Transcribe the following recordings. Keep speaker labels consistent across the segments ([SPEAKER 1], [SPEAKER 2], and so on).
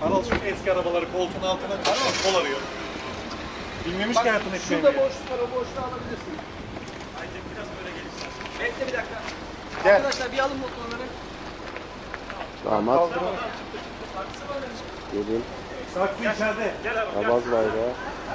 [SPEAKER 1] Aral şu eski arabaları koltuğun altına kol arıyor. Bilmemiş ki hayatın ekmeğini.
[SPEAKER 2] Şurada boşluk var, o boşluğu alabilirsin.
[SPEAKER 1] Ayten biraz böyle gelirsen.
[SPEAKER 2] Bekle bir dakika.
[SPEAKER 3] Gel.
[SPEAKER 2] Arkadaşlar bir alın motorları.
[SPEAKER 4] Damat. Gelin.
[SPEAKER 1] Saksı içeride. Gel Aral gel.
[SPEAKER 4] Abaz bayrağı.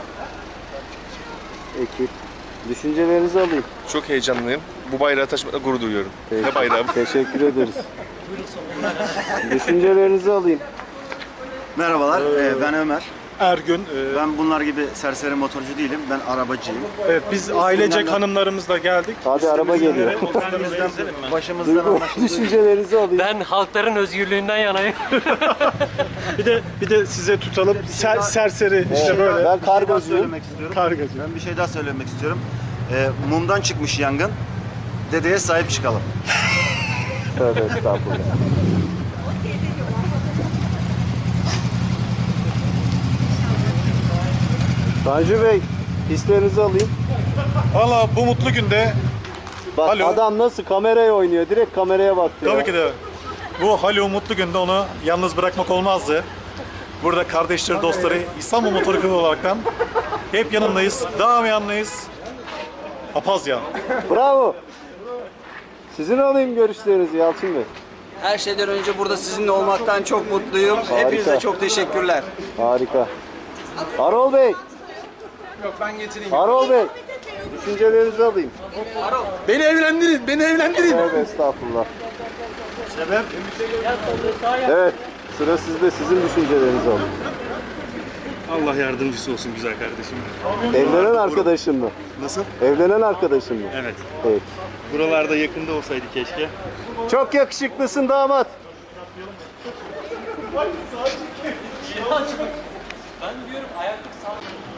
[SPEAKER 4] Ekip. Düşüncelerinizi alayım.
[SPEAKER 3] Çok heyecanlıyım. Bu bayrağı taşımakla gurur duyuyorum. Ne bayrağı bu?
[SPEAKER 4] Teşekkür ederiz. Düşüncelerinizi alayım.
[SPEAKER 5] Merhabalar, ben Ömer.
[SPEAKER 1] Ergün.
[SPEAKER 5] Ben bunlar gibi serseri motorcu değilim, ben arabacıyım.
[SPEAKER 1] Evet biz ailecek hanımlarımızla geldik.
[SPEAKER 4] Hadi araba geliyor.
[SPEAKER 5] Üstümüzden, başımızdan
[SPEAKER 4] Duygu,
[SPEAKER 5] anlaşıldığı
[SPEAKER 4] düşüncelerinizi alayım.
[SPEAKER 6] Ben halkların özgürlüğünden yanayım.
[SPEAKER 1] Bir de size tutalım. Serseri işte böyle.
[SPEAKER 4] Ben
[SPEAKER 5] bir şey daha
[SPEAKER 4] kargocuyum.
[SPEAKER 5] söylemek istiyorum.
[SPEAKER 1] Kargacı.
[SPEAKER 5] Ben bir şey daha söylemek istiyorum. Mumdan çıkmış yangın, dedeye sahip çıkalım.
[SPEAKER 4] Tövbe estağfurullah. Tanju Bey, hislerinizi alayım.
[SPEAKER 1] Valla bu mutlu günde
[SPEAKER 4] Bak
[SPEAKER 1] Alo.
[SPEAKER 4] adam nasıl kameraya oynuyor. Direkt kameraya baktı ya.
[SPEAKER 1] tabii ki de bu Halil mutlu günde onu yalnız bırakmak olmazdı. Burada kardeşleri, dostları İstanbul Motor Kulübü olaraktan hep yanındayız. Devam yanındayız. Apazya.
[SPEAKER 4] Bravo. Sizin alayım görüşlerinizi Yalçın Bey.
[SPEAKER 2] Her şeyden önce burada sizinle olmaktan çok mutluyum. Hepinize çok teşekkürler.
[SPEAKER 4] Harika. Harol Bey.
[SPEAKER 2] Yok ben getireyim.
[SPEAKER 4] Harol Bey. Düşüncelerinizi alayım.
[SPEAKER 1] Beni evlendirin, beni evlendirin.
[SPEAKER 4] Tövbe estağfurullah. Evet. Sıra sizde. Sizin düşüncelerinizi alayım.
[SPEAKER 3] Allah yardımcısı olsun güzel kardeşim.
[SPEAKER 4] Evlenen arkadaşın mı?
[SPEAKER 3] Nasıl?
[SPEAKER 4] Evlenen arkadaşın mı?
[SPEAKER 3] Evet.
[SPEAKER 4] Evet.
[SPEAKER 3] Buralarda yakında olsaydı keşke.
[SPEAKER 4] Çok yakışıklısın damat.
[SPEAKER 6] Ben diyorum ayaklık sağ.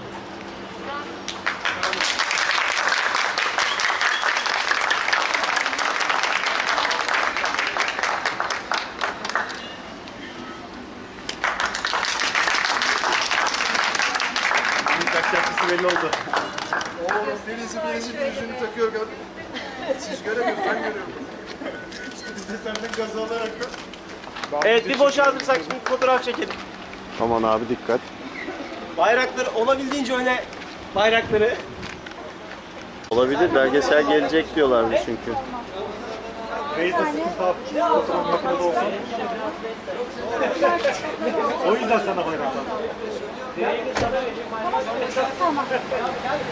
[SPEAKER 3] Kaç yapısı belli oldu.
[SPEAKER 2] Birisi yüzünü takıyor gördün. Siz göremiyorsunuz, ben görüyorum.
[SPEAKER 1] Biz de senden gaz alarak
[SPEAKER 7] Evet bir boşaltırsak şimdi fotoğraf çekelim.
[SPEAKER 4] Aman abi dikkat.
[SPEAKER 7] Bayrakları olabildiğince öne bayrakları.
[SPEAKER 4] Olabilir. Belgesel gelecek diyorlardı çünkü.
[SPEAKER 1] Reis'de sıkıntı fotoğraf makinede olsun. O yüzden sana bayrak.